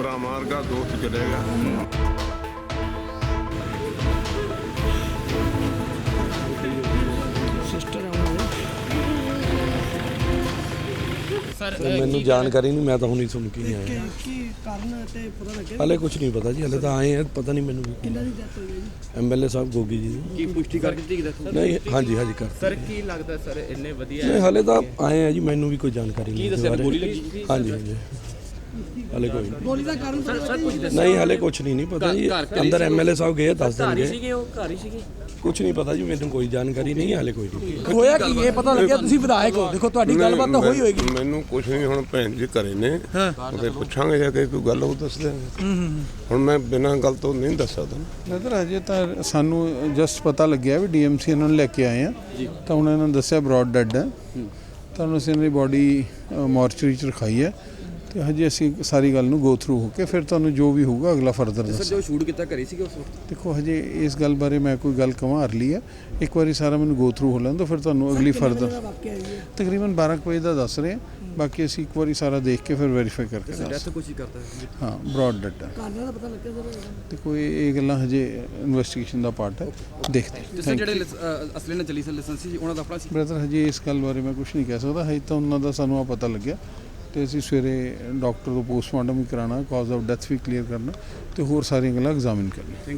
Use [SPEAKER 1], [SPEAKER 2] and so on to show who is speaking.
[SPEAKER 1] ਭਰਾ ਮਾਰ ਗਿਆ, ਦੋਸਤ ਚਲੇ ਗਿਆ।
[SPEAKER 2] ਮੈਨੂੰ ਜਾਣਕਾਰੀ ਨਹੀਂ, ਮੈਂ ਤਾਂ ਹੁਣੀ ਸੁਣ ਕੇ ਹੀ ਆਇਆ। ਹਾਲੇ ਕੁਝ ਨਹੀਂ ਪਤਾ ਜੀ, ਹਾਲੇ ਤਾਂ ਆਏ ਆ, ਪਤਾ ਨਹੀਂ ਮੈਨੂੰ
[SPEAKER 3] ਕਿੰਨਾ ਦੀ ਡੈਥ ਹੋਈ ਹੈ ਜੀ?
[SPEAKER 2] ਐਮਐਲਏ ਸਾਹਿਬ ਗੋਗੀ ਜੀ ਦੀ।
[SPEAKER 4] ਕੀ ਪੁਸ਼ਟੀ ਕਰ ਦਿੱਤੀ ਕਿ ਦੱਸੋ?
[SPEAKER 2] ਨਹੀਂ, ਹਾਂਜੀ ਕਰ
[SPEAKER 4] ਸਰ ਕੀ ਲੱਗਦਾ ਸਰ ਇੰਨੇ ਵਧੀਆ
[SPEAKER 2] ਨਹੀਂ, ਹਾਲੇ ਤਾਂ ਆਏ ਆ ਜੀ, ਮੈਨੂੰ ਵੀ ਕੋਈ ਜਾਣਕਾਰੀ ਨਹੀਂ।
[SPEAKER 4] ਕੀ ਦੱਸਿਆ, ਗੋਲੀ ਲੱਗੀ ਸੀ?
[SPEAKER 2] ਹਾਂਜੀ ਹਾਲੇ ਕੋਈ ਨਹੀਂ।
[SPEAKER 3] ਗੋਲੀ ਦਾ ਕਾਰਨ ਪਤਾ ਲੱਗਿਆ?
[SPEAKER 2] ਨਹੀਂ ਹਾਲੇ ਕੁਝ ਨਹੀਂ ਪਤਾ ਜੀ, ਅੰਦਰ ਐਮਐਲਏ ਸਾਹਿਬ ਗਏ ਦੱਸ ਦੇਣਗੇ।
[SPEAKER 4] ਸੀਗੇ ਉਹ ਘਰ ਹੀ ਸੀਗੇ?
[SPEAKER 2] ਕੁਝ ਨਹੀਂ ਪਤਾ ਜੀ, ਮੈਨੂੰ ਕੋਈ ਜਾਣਕਾਰੀ ਨਹੀਂ, ਹਾਲੇ ਕੋਈ ਨਹੀਂ।
[SPEAKER 3] ਹੋਇਆ ਕੀ ਇਹ ਪਤਾ ਲੱਗਿਆ? ਤੁਸੀਂ ਵਿਧਾਇਕ ਹੋ, ਦੇਖੋ ਤੁਹਾਡੀ ਗੱਲਬਾਤ ਤਾਂ ਹੋਈ ਹੋਏਗੀ।
[SPEAKER 1] ਮੈਨੂੰ ਕੁਝ ਨਹੀਂ, ਹੁਣ ਭੈਣ ਜੀ ਘਰੇ ਨੇ, ਉਹਦੇ ਪੁੱਛਾਂਗੇ ਜਾ ਕੇ, ਕੋਈ ਗੱਲ ਉਹ ਦੱਸ ਦੇਣਗੇ। ਹੁਣ ਮੈਂ ਬਿਨਾਂ ਗੱਲ ਤੋਂ ਨਹੀਂ ਦੱਸ ਸਕਦਾ।
[SPEAKER 5] ਨਜ਼ਰ ਅਜੇ ਤਾਂ ਸਾਨੂੰ ਜਸਟ ਪਤਾ ਲੱਗਿਆ ਵੀ ਡੀਐਮਸੀ ਇਹਨਾਂ ਨੂੰ ਲੈ ਕੇ ਆਏ ਆ, ਤਾਂ ਹੁਣ ਇਹਨਾਂ ਨੇ ਦੱਸਿਆ ਬਰੌਡ ਡੈਡ ਹੈ, ਤਾਂ ਅਸੀਂ ਇਹਨਾਂ ਦੀ ਬੋਡੀ ਮੋਰਚਰੀ 'ਚ ਰਖਾਈ ਹੈ, ਤੇ ਹਜੇ ਅਸੀਂ ਸਾਰੀ ਗੱਲ ਨੂੰ ਗੋ ਥਰੂ ਹੋ ਕੇ ਫਿਰ ਤੁਹਾਨੂੰ ਜੋ ਵੀ ਹੋਊਗਾ ਅਗਲਾ ਫਰਦਰ ਦੱਸਾਂ।
[SPEAKER 4] ਜੋ ਸ਼ੂਟ ਕੀਤਾ ਕਰੀ ਸੀਗੇ ਉਸ ਵਕਤ?
[SPEAKER 5] ਦੇਖੋ ਹਜੇ ਇਸ ਗੱਲ ਬਾਰੇ ਮੈਂ ਕੋਈ ਗੱਲ ਕਵਾਂ ਲਈ ਹੈ, ਇੱਕ ਵਾਰੀ ਸਾਰਾ ਮੈਨੂੰ ਗੋ ਥਰੂ ਹੋ ਲੈਣ ਦਿਓ, ਫਿਰ ਤੁਹਾਨੂੰ ਅਗਲੀ ਫਰਦਰ। ਤਕਰੀਬਨ 12 ਵਜੇ ਦਾ ਦੱਸ ਰਹੇ, ਬਾਕੀ ਅਸੀਂ ਇੱਕ ਵਾਰੀ ਸਾਰਾ ਦੇਖ ਕੇ ਫਿਰ ਵੈਰੀਫਾਈ ਕਰਕੇ
[SPEAKER 4] ਡੈਥ ਕੁਛ ਹੀ ਕਰਦਾ ਹੈ?
[SPEAKER 5] ਹਾਂ ਬਰੌਡ ਡੈਡ ਹੈ।
[SPEAKER 3] ਕਾਰਨਾਂ ਦਾ ਪਤਾ ਲੱਗਿਆ ਸਰ?
[SPEAKER 5] ਤੇ ਕੋਈ ਇਹ ਗੱਲਾਂ ਹਜੇ ਇਨਵੈਸਟੀਗੇਸ਼ਨ ਦਾ ਪਾਰਟ ਹੈ, ਦੇਖਦੇ ਹਾਂ।
[SPEAKER 4] ਸਰ ਜਿਹੜੇ ਅਸਲੀ ਨਾਲ ਚੱਲੀ ਸਰ ਲਾਇਸੈਂਸ ਸੀ ਉਹਨਾਂ ਦਾ ਆਪਣਾ ਸੀ?
[SPEAKER 5] ਬ੍ਰਦਰ ਹਜੇ ਇਸ ਗੱਲ ਬਾਰੇ ਮੈਂ ਕੁਝ ਨਹੀਂ ਕਹਿ ਸਕਦਾ, ਹਜੇ ਤਾਂ ਉਹਨਾਂ ਦਾ ਸਾਨੂੰ ਆ ਪਤਾ ਲੱਗਿਆ, ਤੇ ਅਸੀਂ ਸਵੇਰੇ ਡਾਕਟਰ ਤੋਂ ਪੋਸਟਮਾਰਟਮ ਵੀ ਕਰਾਉਣਾ, ਕਾਜ਼ ਆਫ ਡੈਥ ਵੀ ਕਲੀਅਰ ਕਰਨਾ, ਤੇ ਹੋਰ ਸਾਰੀਆਂ ਗੱਲਾਂ ਐਗਜ਼ਾਮਿਨ ਕਰਨੀਆਂ।